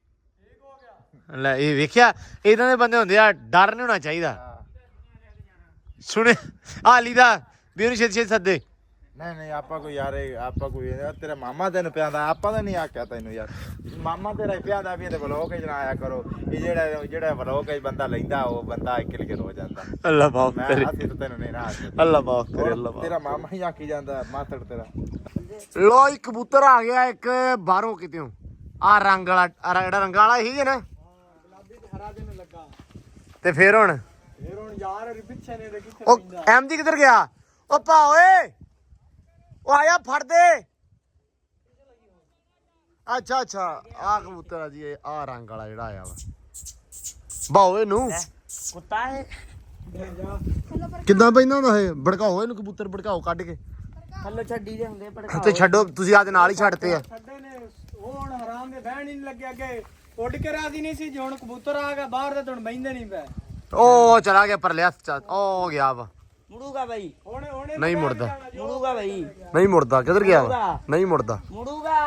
S1: ਲੈ ਇਹ ਵੇਖਿਆ ਇਦਾਂ ਦੇ ਬੰਦੇ ਹੁੰਦੇ ਆ ਡਰ ਨਹੀਂ ਹੋਣਾ ਚਾਹੀਦਾ ਸੁਣੇ ਹਾਲੀ ਦਾ ਵੀ ਉਹਨੂੰ ਛੇਤੀ ਸੱਦੇ
S3: ਨਹੀਂ ਆਪਾਂ ਕੋਈ ਯਾਰ ਆਪਾਂ ਕੋਈ ਤੇਰਾ ਮਾਮਾ ਤੈਨੂੰ ਪਿਆਂਦਾ ਆਪਾਂ ਤਾਂ ਨਹੀਂ ਆਖਿਆ ਤੈਨੂੰ ਯਾਰ ਮਾਮਾ ਤੇਰਾ ਪਿਆਂਦਾ ਵੀ ਇਹਦੇ ਵਲੋਗ ਹੀ ਜਨਾਇਆ ਕਰੋ ਇਹ ਜਿਹੜਾ ਵਲੋਗ ਹੀ ਬੰਦਾ ਲੈਂਦਾ ਉਹ ਬੰਦਾ ਕਿਲਗਰ ਹੋ ਜਾਂਦਾ
S1: ਅੱਲਾ ਮਾਫ
S3: ਮੈਂ
S1: ਕਰੇ
S3: ਅਸੀਂ ਤਾਂ ਤੈਨੂੰ ਨਹੀਂ ਨਾ
S1: ਅੱਲਾ ਮਾਫ ਕਰੇ ਅੱਲਾ ਮਾਫ
S3: ਤੇਰਾ ਮਾਮਾ ਹੀ ਆਖੀ ਜਾਂਦਾ ਮਾਸੜ ਤੇਰਾ
S1: ਲੋ ਇੱਕ ਕਬੂਤਰ ਆ ਗਿਆ ਇੱਕ ਬਾਹਰੋਂ ਕਿਤੇੋਂ ਆ ਰੰਗ ਵਾਲਾ ਜਿਹੜਾ ਰੰਗ ਵਾਲਾ ਹੀ ਹੈ ਨਾ
S2: ਗੁਲਾਬੀ ਤੇ ਹਰਾ ਜਿਹਾ ਲੱਗਾ
S1: ਤੇ ਫੇਰ ਹੁਣ
S2: ਯਾਰ ਪਿੱਛੇ ਨੇ ਕਿੱਥੇ
S1: ਉਹ ਐਮਜੀ ਕਿੱਧਰ ਗਿਆ ਉਹ ਭਾ ਓਏ ਉਹ ਆਇਆ ਫੜ ਦੇ ਅੱਛਾ ਆ ਕਬੂਤਰ ਆ ਜੀ ਆ ਰੰਗ ਵਾਲਾ ਜਿਹੜਾ ਆਇਆ ਵਾ ਬਾਓ ਇਹਨੂੰ
S2: ਕੁੱਤਾ ਹੈ
S1: ਕਿੱਦਾਂ ਪੈਂਦਾ ਹੁੰਦਾ ਇਹ ਭੜਕਾਓ ਇਹਨੂੰ ਕਬੂਤਰ ਭੜਕਾਓ ਕੱਢ ਕੇ
S2: ਥੱਲੇ ਛੱਡੀ ਦੇ ਹੁੰਦੇ ਭੜਕਾ
S1: ਤੇ ਛੱਡੋ ਤੁਸੀਂ ਆਦੇ ਨਾਲ ਹੀ ਛੱਡਤੇ ਆ
S2: ਛੱਡੇ ਨੇ ਉਹ ਹੁਣ ਹਰਾਮ ਦੇ ਬਹਿਣ ਹੀ ਨਹੀਂ ਲੱਗਿਆ ਅੱਗੇ ਉੱਡ ਕੇ ਰਾਜੀ ਨਹੀਂ ਸੀ ਜੇ ਹੁਣ ਕਬੂਤਰ ਆ ਗਿਆ ਬਾਹਰ ਤੇ ਹੁਣ ਬੈਂਦੇ ਨਹੀਂ ਪੈ
S1: ਉਹ ਚਲਾ ਗਿਆ ਪਰਲੇ ਹੱਥ ਚ ਉਹ ਗਿਆ ਵਾ
S2: ਮੁੜੂਗਾ ਬਾਈ ਹੁਣੇ
S1: ਨਹੀਂ ਮੁੜਦਾ
S2: ਮੁੜੂਗਾ ਬਾਈ
S1: ਨਹੀਂ ਮੁੜਦਾ ਕਿੱਧਰ ਗਿਆ ਵਾ ਨਹੀਂ ਮੁੜਦਾ
S2: ਮੁੜੂਗਾ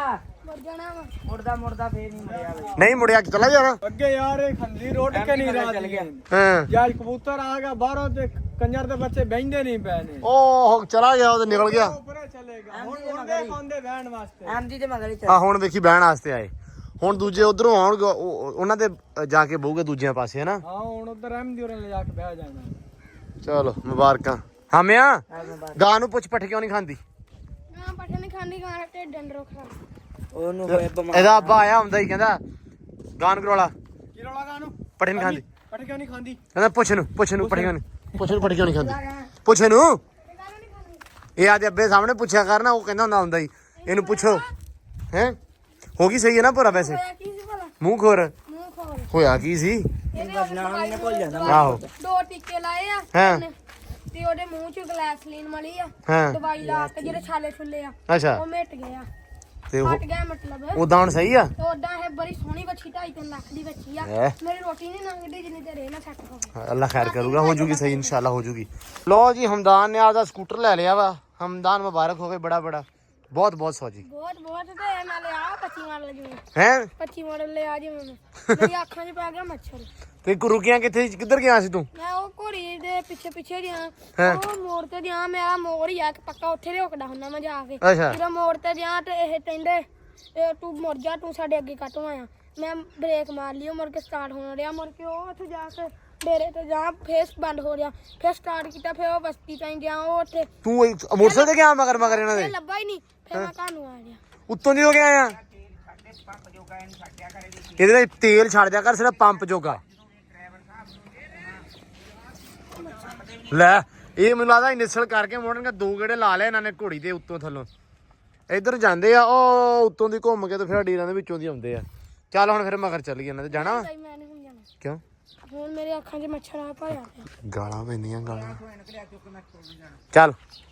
S4: ਮਰ ਜਾਣਾ ਵਾ
S2: ਮੁੜਦਾ ਫੇਰ ਨਹੀਂ ਮੁੜਿਆ ਬਈ
S1: ਨਹੀਂ ਮੁੜਿਆ ਕਿ ਚਲਾ ਜਾਣਾ
S2: ਅੱਗੇ ਯਾਰ ਇਹ ਖੰਦੀ ਰੋਡ ਕੇ ਨਹੀਂ ਰਾਤ ਚਲ ਗਿਆ
S1: ਹਾਂ
S2: ਜਦ ਕਬੂਤਰ ਆ ਗਿਆ ਬਾਹਰੋਂ ਤੇ ਕੰਜਰ ਦੇ ਬੱਚੇ ਬਹਿੰਦੇ ਨਹੀਂ ਪਏ ਨੇ
S1: ਉਹ ਚਲਾ ਗਿਆ ਉਹ ਤੇ ਨਿਕਲ ਗਿਆ
S2: ਉੱਪਰੇ ਚਲੇਗਾ ਹੁਣ ਉਹਦੇ ਖਾਂਦੇ ਬਹਿਣ ਵਾਸਤੇ
S5: ਐਮਜੀ ਦੇ ਮਗਰ ਹੀ
S1: ਆ ਹੁਣ ਵੇਖੀ ਬਹਿਣ ਵਾਸਤੇ ਆਏ ਹੁਣ ਦੂਜੇ ਉਧਰੋਂ ਆਉਣਗੇ ਉਹਨਾਂ ਦੇ ਜਾ ਕੇ ਬਹੂਗੇ ਦੂਜਿਆਂ ਪਾਸੇ ਹਨਾ
S2: ਹਾਂ ਹੁਣ ਉਧਰ ਅਹਿਮਦੀ ਹੋਰਾਂ ਲੈ ਜਾ ਕੇ ਬਹਿ ਜਾਣਾ
S1: ਚਲੋ ਮੁਬਾਰਕਾਂ ਹਾਮਿਆ ਗਾਂ ਨੂੰ ਪੁੱਛ ਪੱਠ ਕਿਉਂ ਨਹੀਂ ਖਾਂਦੀ
S4: ਨਾ ਪੱਠੇ ਨਹੀਂ ਖਾਂਦੀ ਗਾਂ ਤੇ ਡੰਡਰੋ ਖਾ
S5: ਉਹਨੂੰ ਹੋਏ ਬਿਮਾਰ
S1: ਇਹਦਾ ਅੱਬਾ ਆਇਆ ਹੁੰਦਾ ਹੀ ਕਹਿੰਦਾ ਗਾਂ ਨੂੰ ਕਰੋਲਾ
S2: ਕੀ ਰੌਲਾ ਗਾ ਨੂੰ
S1: ਪੱਠੇ ਨਹੀਂ ਖਾਂਦੀ
S2: ਪੱਠ ਕਿਉਂ ਨਹੀਂ ਖਾਂਦੀ
S1: ਕਹਿੰਦਾ ਪੁੱਛ ਨੂੰ ਪੱਠੇ ਕਿਉਂ ਨਹੀਂ ਪੱਠੇ ਕਿਉਂ ਨਹੀਂ ਖਾਂਦੀ ਪੁੱਛ ਨੂੰ ਇਹ ਆਦੇ ਅੱਬੇ ਸਾਹਮਣੇ ਪੁੱਛਿਆ ਕਰਨਾ ਉਹ ਕਹਿੰਦਾ ਹੁੰਦਾ ਹੀ ਇਹਨੂੰ ਪੁੱਛੋ ਹੈ ਹੋ ਗਈ ਸਹੀ ਹੈ ਨਾ ਪੂਰਾ ਵੈਸੇ
S4: ਹੋਇਆ ਕੀ ਸੀ ਭਲਾ
S1: ਮੂੰਹ ਖੋਰ
S4: ਮੂੰਹ ਖੋਲ
S1: ਹੋਇਆ ਕੀ ਸੀ
S4: ਇਹਦੇ
S5: ਨਾਮ ਨੇ ਭੁੱਲ ਜਾਂਦਾ
S1: ਆਹੋ
S4: ਦੋ ਟੀਕੇ ਲਾਏ ਆ
S1: ਹਾਂ।
S4: ਉਹਨੇ, ਤੇ ਉਹਦੇ ਮੂੰਹ ਚ ਗਲੈਸਲੀਨ ਮਲੀ ਆ
S1: ਹਾਂ
S4: ਦਵਾਈ ਲਾ ਕੇ ਜਿਹੜੇ ਛਾਲੇ ਛੁੱਲੇ ਆ
S1: ਅੱਛਾ
S4: ਉਹ ਮਿਟ ਗਏ ਆ
S1: ਤੇ ਉਹ
S4: ਹਟ ਗਿਆ ਮਤਲਬ
S1: ਉਦਾਂ ਹੁਣ ਸਹੀ ਆ
S4: ਤੇ ਉਦਾਂ ਇਹ ਬੜੀ ਸੋਹਣੀ ਬੱਚੀ 2.5 ਲੱਖ ਦੀ ਬੱਚੀ ਆ
S1: ਹੈਂ?
S4: ਮੇਰੀ ਰੋਟੀ ਨਹੀਂ ਲੰਘਦੀ ਜਿੰਨੀ ਤੇ ਰਹਿ ਨਾ ਸੈੱਟ ਹੋਵੇ
S1: ਅੱਲਾ ਖੈਰ ਕਰੂਗਾ ਹੋ ਜੂਗੀ ਸਹੀ ਇਨਸ਼ਾਅੱਲਾ ਹੋ ਜੂਗੀ ਲੋ ਜੀ ਹਮਦਾਨ ਨੇ ਆਪਦਾ ਸਕੂਟਰ ਲੈ ਲਿਆ ਵਾ ਹਮਦਾਨ ਮੁਬਾਰਕ ਹੋਵੇ ਬੜਾ ਬਹੁਤ ਬਹੁਤ ਸੌਜੀ
S4: ਬਹੁਤ ਤੇ ਨਾਲੇ ਆ 25 ਮਾਡਲ ਜਿਵੇਂ
S1: ਹੈ
S4: 25 ਮਾਡਲ ਲੈ ਆ ਜਿਵੇਂ ਮੇਰੀ ਅੱਖਾਂ 'ਚ ਪੈ ਗਿਆ ਮੱਛਰ
S1: ਤੇ ਰੁਕਿਆ ਕਿੱਧਰ ਗਿਆ ਸੀ ਤੂੰ
S4: ਮੈਂ ਉਹ ਘੋੜੀ ਦੇ ਪਿੱਛੇ ਗਿਆ
S1: ਹੈਂ?
S4: ਉਹ ਮੋੜ ਤੇ ਗਿਆ ਮੇਰਾ ਮੋੜ ਹੀ ਆ ਕਿ ਪੱਕਾ ਉੱਥੇ ਰੋਕਦਾ ਹੁੰਦਾ ਮੈਂ ਜਾ ਕੇ
S1: ਅੱਛਾ
S4: ਜਦੋਂ ਮੋੜ ਤੇ ਗਿਆ ਤੇ ਇਹ ਕਹਿੰਦੇ ਇਹ ਤੂੰ ਮੁੜ ਜਾ ਤੂੰ ਸਾਡੇ ਅੱਗੇ ਕੱਟੋਂ ਆਇਆ ਮੈਂ ਬ੍ਰੇਕ ਮਾਰ ਲਈ ਉਹ ਮੁੜ ਕੇ ਸਟਾਰਟ ਹੋਣ ਰਿਹਾ ਮੁੜ ਕੇ ਉਹ ਉੱਥੇ ਜਾ ਕੇ ਡੇਰੇ ਤੇ ਜਾ ਫੇਸ ਬੰਦ ਹੋ ਰਿਹਾ ਫਿਰ ਸਟਾਰਟ ਕੀਤਾ ਫਿਰ ਉਹ ਬਸਤੀ ਤਾਈਂ ਗਿਆ ਉਹ ਉੱਥੇ
S1: ਤੂੰ ਮੋਟਰਸਾਈਕਲ ਤੇ ਗਿਆ ਮਗਰ ਇਹਨਾਂ
S4: ਇਹ
S1: ਦੇ
S4: ਲੱਭਾ ਹੀ ਨਹੀਂ ਫਿਰ ਮੈਂ ਘਰ ਨੂੰ ਆ ਗਿਆ
S1: ਉੱਤੋਂ ਦੀ ਹੋ ਗਿਆ ਆ ਇਹਦੇ ਵਿੱਚ ਤੇਲ ਛੱਡ ਦਿਆ ਕਰ ਸਿਰਫ ਪੰਪ ਜੋਗਾ ਲੈ ਇਹ ਮੈਨੂੰ ਲੱਗਦਾ ਇਨਿਸ਼ਲ ਕਰਕੇ ਮੋੜਨਗੇ ਦੋ ਗੇੜੇ ਲਾ ਲਿਆ ਇਹਨਾਂ ਨੇ ਘੋੜੀ ਦੇ ਉੱਤੋਂ ਥੱਲੋਂ ਇੱਧਰ ਜਾਂਦੇ ਆ ਉਹ ਉੱਤੋਂ ਦੀ ਘੁੰਮ ਕੇ ਤੇ ਫਿਰ ਡੀਰਾਂ ਦੇ ਵਿੱਚੋਂ ਦੀ ਆਉਂਦੇ ਆ ਚੱਲ ਹੁਣ ਫਿਰ ਮਗਰ ਚੱਲ ਗਏ ਇਹਨਾਂ ਤੇ ਜਾਣਾ
S4: ਤਾਈ ਮੈਂ ਨਹੀਂ ਹੁਣ ਜਾਣਾ
S1: ਕਿਉਂ
S4: ਹੁਣ ਮੇਰੇ ਅੱਖਾਂ 'ਚ ਮੱਛਰ ਆ ਭਰਿਆ ਪਿਆ
S1: ਗਾਲਾਂ ਪੈਂਦੀਆਂ ਗਾਲਾਂ ਚੱਲ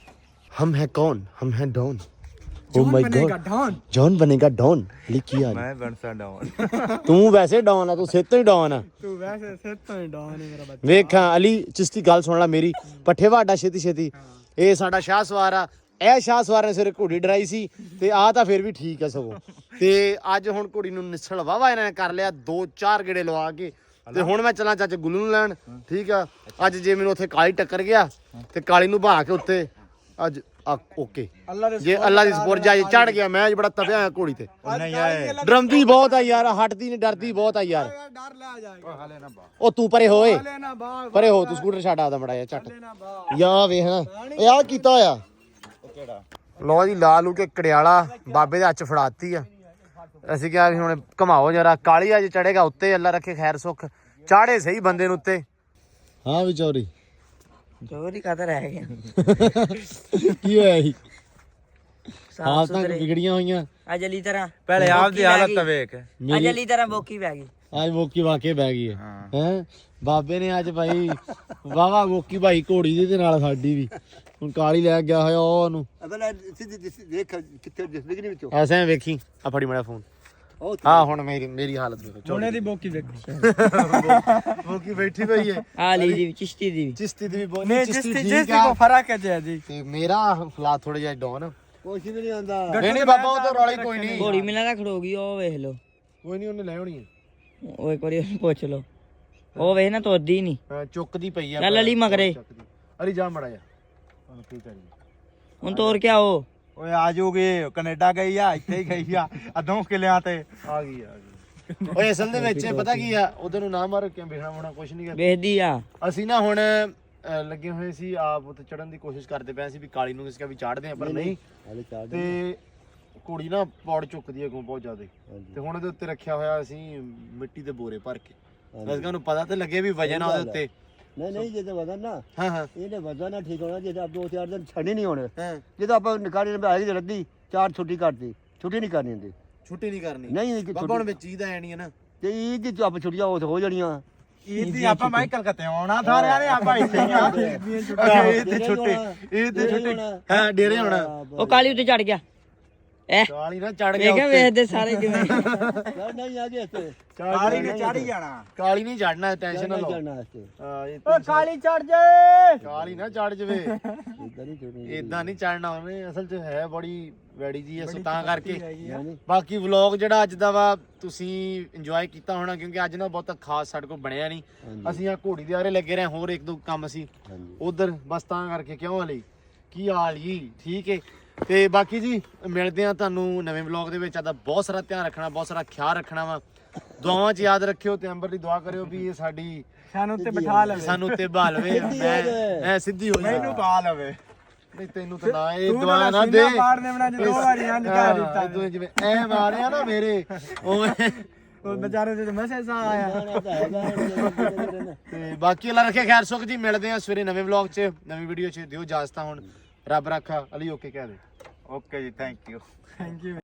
S1: ਹਮ ਹੈ ਕੌਣ ਹਮ ਹੈ don oh my God John बनेगा डॉन लिखी आ
S3: ਮੈਂ ਬਣਸਾ ਡਾਊਨ
S1: ਤੂੰ ਵੈਸੇ ਡॉन ਆ ਤੂੰ ਸਿੱਧ ਤੋਂ ਹੀ ਡॉन ਆ
S2: ਤੂੰ ਵੈਸੇ ਸਿਰ ਤੋਂ ਹੀ ਡਾਉਨ ਹੈ ਮੇਰਾ ਬੱਚਾ
S1: ਵੇਖਾਂ ਅਲੀ ਚਿਸ਼ਤੀ ਗੱਲ ਸੁਣ ਲੈ ਮੇਰੀ ਪੱਠੇ ਵਾਡਾ ਛੇਤੀ ਇਹ ਸਾਡਾ ਸ਼ਾਹ ਸਵਾਰ ਆ ਇਹ ਸ਼ਾਹ ਸਵਾਰ ਨੇ ਸਿਰ ਘੋੜੀ ਡਰਾਈ ਸੀ ਤੇ ਆ ਤਾਂ ਫਿਰ ਵੀ ਠੀਕ ਆ ਸਗੋਂ ਤੇ ਅੱਜ ਹੁਣ ਘੋੜੀ ਨੂੰ ਨਿਸਲ ਵਾਵਾ ਇਹਨਾਂ ਨੇ ਕਰ ਲਿਆ 2-4 ਗੇੜੇ ਲਵਾ ਕੇ ਤੇ ਹੁਣ ਮੈਂ ਚੱਲਾਂ ਚਾਚੇ ਗੁੱਲੂ ਨੂੰ ਲੈਣ ਠੀਕ ਆ ਅੱਜ ਜੇ ਮੈਨੂੰ ਉੱਥੇ ਕਾਲੀ ਟੱਕਰ ਗਿਆ ਤੇ ਕਾਲੀ ਨੂੰ ਬਹਾ ਕੇ ਉੱਤੇ ਅੱਜ ਓਕੇ
S2: ਅੱਲਾ ਦੇ
S1: ਜੇ ਅੱਲਾ ਦੀ ਸਪੋਰਟ ਜਾਏ ਚੜ ਗਿਆ ਮੈਂ ਅੱਜ ਬੜਾ ਤਪਿਆ ਹੋਇਆ ਘੋੜੀ ਤੇ
S3: ਨਹੀਂ ਆਏ
S1: ਡਰਮਦੀ ਬਹੁਤ ਆ ਯਾਰ ਹਟਦੀ ਨਹੀਂ ਡਰਦੀ ਬਹੁਤ ਆ ਯਾਰ
S2: ਡਰ ਲੈ ਜਾਏਗਾ
S3: ਹਲੇ ਨਾ ਬਾ
S1: ਉਹ ਤੂੰ ਪਰੇ ਹੋਏ
S2: ਹਲੇ ਨਾ ਬਾਗ
S1: ਪਰੇ ਹੋ ਤੂੰ ਸਕੂਟਰ ਛੱਡ ਆਦਾ ਮੜਾ ਝੱਟ
S2: ਹਲੇ ਨਾ ਬਾਗ
S1: ਯਾ ਵੇਖ ਨਾ ਇਹ ਆ ਕੀਤਾ ਹੋਇਆ
S3: ਉਹ ਕਿਹੜਾ
S1: ਲੋ ਜੀ ਲਾ ਲੂ ਕੇ ਕੜਿਆਲਾ ਬਾਬੇ ਦੇ ਹੱਥ 'ਚ ਫੜਾਤੀ ਆ ਅਸੀਂ ਕਿਹਾ ਵੀ ਹੁਣ ਘਮਾਓ ਜਰਾ ਕਾਲੀ ਅੱਜ ਚੜੇਗਾ ਉੱਤੇ ਅੱਲਾ ਰੱਖੇ ਖੈਰ ਸੁੱਖ ਚਾੜੇ ਸਹੀ ਬੰਦੇ ਨੂੰ ਉੱਤੇ ਹਾਂ ਵੀ ਚੋਰੀ
S5: ਚੋਰੀ ਕਾਦਰ ਰਹਿ ਗਿਆ
S1: ਕੀ ਹੋਇਆ ਸੀ
S5: ਸਾਫ
S1: ਹਾਲਤਾਂ
S5: ਸੁਥਰੇ
S1: ਵਿਗੜੀਆਂ ਹੋਈਆਂ
S5: ਅਜਲੀ ਤਰ੍ਹਾਂ
S3: ਪਹਿਲੇ ਆਪ ਦੀ ਹਾਲਤ ਵੇਖ
S5: ਅਜਲੀ ਤਰ੍ਹਾਂ ਬੋਕੀ ਪੈ ਗਈ
S1: ਅੱਜ ਮੋਕੀ ਵਾਕੇ ਬਹਿ ਗਈ ਹੈ ਬਾਬੇ ਨੇ ਅੱਜ ਭਾਈ ਵਾਵਾ ਮੋਕੀ ਭਾਈ ਘੋੜੀ ਦੀ ਤੇ ਨਾਲ ਸਾਡੀ ਵੀ ਹੁਣ ਕਾਲੀ ਲੈ ਗਿਆ ਹੋਇਆ ਉਹਨੂੰ
S6: ਅਬਲਾ ਸਿੱਧੀ ਦੇਖ ਕਿੱਥੇ ਦਿਸਦੀ ਨਹੀਂ ਵਿੱਚੋਂ
S1: ਐਸੇ ਵੇਖੀ ਆ ਫੜੀ ਮੜਾ ਫੋਨ ਹਾਂ ਹੁਣ ਮੇਰੀ ਹਾਲਤ ਵੇਖੋ
S2: ਹੁਣੇ ਦੀ ਬੋਕੀ ਦੇਖੋ
S1: ਮੋਕੀ ਬੈਠੀ ਪਈ ਹੈ
S5: ਆ ਲਈ ਦੀ ਚਿਸ਼ਤੀ ਦੀ
S1: ਚਿਸ਼ਤੀ ਦੀ ਵੀ
S2: ਨਹੀਂ ਜਿਸ ਦੀ ਕੋ ਫਰਕ ਹੈ ਜੀ
S1: ਤੇ ਮੇਰਾ ਹਾਲਾਤ ਥੋੜੇ ਜਿਹਾ ਡਾਊਨ
S6: ਕੁਛ ਵੀ ਨਹੀਂ ਆਉਂਦਾ
S1: ਨਹੀਂ ਬਾਬਾ ਉਹ ਤਾਂ ਰੌਲੀ ਕੋਈ ਨਹੀਂ
S5: ਘੋੜੀ ਮਿਲਾਂ ਦਾ ਖੜੋ ਗਈ ਉਹ ਵੇਖ ਲੋ
S1: ਕੋਈ ਨਹੀਂ ਉਹਨੇ ਲੈ ਆਉਣੀ ਹੈ
S5: ਉਹ ਇੱਕ ਵਾਰੀ ਉਹਨੂੰ ਪੁੱਛ ਲੋ ਉਹ ਵੇਖ ਨਾ ਤੋਦੀ ਨਹੀਂ
S1: ਚੁੱਕਦੀ ਪਈ ਆ
S5: ਚੱਲ ਅਲੀ ਮਗਰੇ
S1: ਅਰੇ ਜਾ ਮੜਾ ਜਾ ਹੁਣ ਕੀ ਕਰੀਏ
S5: ਹੁਣ ਤੋਰ ਕੇ ਆਓ
S3: ਓਏ ਆ ਜੂਗੀ ਕੈਨੇਡਾ ਗਈ ਆ ਇੱਥੇ ਹੀ ਗਈ ਆ ਅਦੋਂ ਕਿਲਿਆਂ ਤੇ
S1: ਆ ਗਈ ਓਏ ਅਸਲ ਦੇ ਵਿੱਚ ਪਤਾ ਕੀ ਆ ਉਧਰ ਨੂੰ ਨਾ ਮਾਰ ਕਿਉਂ ਵੇਖਣਾ ਹੋਣਾ ਕੁਝ ਨਹੀਂ
S5: ਵੇਖਦੀ ਆ
S1: ਅਸੀਂ ਨਾ ਹੁਣ ਲੱਗੇ ਹੋਏ ਸੀ ਆਪ ਉੱਤੇ ਚੜਨ ਦੀ ਕੋਸ਼ਿਸ਼ ਕਰਦੇ ਪਏ ਸੀ ਵੀ ਕਾਲੀ ਨੂੰ ਕਿਸੇ ਵੀ ਚਾੜਦੇ ਆ ਪਰ ਨਹੀਂ ਤੇ ਕੁੜੀ ਨਾ ਪੌੜ ਚੁੱਕਦੀ ਹੈ ਬਹੁਤ ਜ਼ਿਆਦਾ ਤੇ ਹੁਣ ਉਹਦੇ ਉੱਤੇ ਰੱਖਿਆ ਹੋਇਆ ਅਸੀਂ ਮਿੱਟੀ ਦੇ ਬੋਰੇ ਭਰ ਕੇ ਅਸਕਾਂ ਨੂੰ ਪਤਾ ਤੇ ਲੱਗੇ ਵੀ ਵਜਨ ਆ ਉਹਦੇ ਉੱਤੇ
S6: ਨਹੀਂ ਜੇ ਤਾਂ ਵਜ਼ਨ ਨਾ
S1: ਹਾਂ ਹਾਂ
S6: ਇਹਨੇ ਵਜ਼ਨ ਨਾ ਠੀਕ ਹੋਣਾ ਜੇ ਤਾਂ 2-4 ਦਿਨ ਛੱਡੇ ਨਹੀਂ ਹੋਣੇ
S1: ਹਾਂ
S6: ਜਦੋਂ ਆਪਾਂ ਨਿਕਾਲੀ ਨੇ ਆਏਗੀ ਰੱਦੀ 4 ਛੁੱਟੀ ਕਰਦੀ ਛੁੱਟੀ ਨਹੀਂ ਕਰਨੀ ਹੁੰਦੀ
S1: ਛੁੱਟੀ ਨਹੀਂ ਕਰਨੀ
S6: ਨਹੀਂ
S1: ਬਾਬਾ ਹੁਣ ਵਿੱਚ ਇਹਦਾ ਐ ਨਹੀਂ ਹੈ ਨਾ
S6: ਤੇ ਇਹ ਦੀ ਆਪਾਂ ਛੁੱਟੀਆਂ ਹੋ ਜਾਣੀਆਂ
S3: ਈਦ ਦੀ ਆਪਾਂ ਮੈਂ ਕਲਕੱਤੇ ਆਉਣਾ ਸਾਰਿਆਂ ਨੇ ਆਪਾਂ ਇੱਥੇ ਹੀ ਆ ਈਦ ਦੀ ਛੁੱਟੀ
S1: ਹਾਂ ਡੇਰੇ ਹੋਣਾ
S5: ਉਹ ਕਾਲੀ ਉੱਤੇ ਚੜ ਗਿਆ
S1: ਕਾਲੀ ਨਾ ਚੜ ਗਿਆ
S5: ਇਹ ਕਿਆ
S1: ਉੱਤੇ।
S5: ਵੇਖਦੇ ਸਾਰੇ ਕਿਵੇਂ
S6: ਨਹੀਂ ਆ ਗਿਆ ਤੇ
S3: ਕਾਲੀ ਨੇ ਚੜ ਹੀ ਜਾਣਾ।
S1: ਕਾਲੀ ਨਹੀਂ ਚੜਨਾ, ਟੈਨਸ਼ਨ ਨਾ ਲਓ।
S6: ਜਾਣਾ ਤੇ
S1: ਹਾਂ, ਇਹ
S2: ਓ ਕਾਲੀ ਚੜ ਜਾਏ।
S1: ਕਾਲੀ ਨਾ ਚੜ ਜਵੇ,
S6: ਇਦਾਂ ਨਹੀਂ ਚੜਨੀ
S1: ਇਦਾਂ ਨਹੀਂ ਚੜਨਾ ਉਹਨੇ। ਅਸਲ 'ਚ ਹੈ ਬੜੀ ਵੈੜੀ ਜੀ ਐ, ਸੋ ਤਾਂ ਕਰਕੇ
S6: ਨਹੀਂ
S1: ਬਾਕੀ ਵਲੌਗ ਜਿਹੜਾ ਅੱਜ ਦਾ ਵਾ ਤੁਸੀਂ ਇੰਜੋਏ ਕੀਤਾ ਹੋਣਾ, ਕਿਉਂਕਿ ਅੱਜ ਨਾ ਬਹੁਤਾ ਖਾਸ ਸਾਡੇ ਕੋਲ ਬਣਿਆ ਨਹੀਂ। ਅਸੀਂ ਆ ਘੋੜੀ ਦੇ ਆਰੇ ਲੱਗੇ ਰਹੇ, ਹੋਰ ਇੱਕ ਦੋ ਕੰਮ ਸੀ
S6: ਹਾਂਜੀ
S1: ਉਧਰ, ਬਸ ਤਾਂ ਕਰਕੇ। ਕਿਉਂ ਹਲੇ ਕੀ ਹਾਲ ਜੀ? ਠੀਕ ਹੈ। ਤੇ ਬਾਕੀ ਜੀ ਮਿਲਦੇ ਆ ਤੁਹਾਨੂੰ ਨਵੇਂ ਵਲੌਗ ਦੇ ਵਿੱਚ। ਆਦਾ ਬਹੁਤ ਸਾਰਾ ਧਿਆਨ ਰੱਖਣਾ, ਬਹੁਤ ਸਾਰਾ ਖਿਆਲ ਰੱਖਣਾ ਵਾ। ਦੁਆਵਾਂ 'ਚ ਯਾਦ ਰੱਖਿਓ ਤੇ ਅੰਬਰ ਦੀ ਦੁਆ ਕਰਿਓ ਵੀ ਇਹ ਸਾਡੀ
S2: ਸਾਨੂੰ ਉੱਤੇ ਬਿਠਾ ਲਵੇ।
S1: ਸਾਨੂੰ ਉੱਤੇ ਬਹਾ ਲਵੇ, ਮੈਂ ਸਿੱਧੀ ਹੋ ਜਾ।
S3: ਮੈਨੂੰ ਪਾ ਲਵੇ।
S1: ਨਹੀਂ ਤੈਨੂੰ ਤਾਂ ਨਾ ਇਹ
S2: ਤੂੰ
S1: ਦੁਆ
S2: ਤਾਂ
S1: ਨਾ ਦੇ।
S2: ਸੀਨਾ ਪਾੜ ਨੇ ਬਣਾ ਦੋ ਵਾਰੀ ਇੰਜ ਕਹਿ ਦਿੱਤਾ।
S1: ਹਾਂ, ਤੂੰ ਜਿਵੇਂ ਐ ਮਾਰਿਆ ਨਾ ਮੇਰੇ ਉਵੇਂ।
S2: ਉਹ ਵਿਚਾਰੇ ਤੇ ਮੈਸੇਜ ਆਇਆ।
S6: ਜਾਣਾ ਤਾਂ ਹੈਗਾ
S1: ਤੇ ਬਾਕੀ ਅੱਲਾ ਰੱਖੇ ਖੈਰ ਸੁਖ ਜੀ। ਮਿਲਦੇ ਆ ਸਵੇਰੇ ਨਵੇਂ ਵਲੌਗ 'ਚ, ਨਵੀਂ ਵੀਡੀਓ 'ਚ। ਦਿਓ ਇਜਾਜ਼ਤਾਂ ਹੁਣ। ਰੱਬ ਰੱਖਾ। ਅਲੀ ਓਕੇ ਕਹਿ ਦੇ।
S3: ਓਕੇ ਜੀ, ਥੈਂਕ ਯੂ।
S2: Thank you.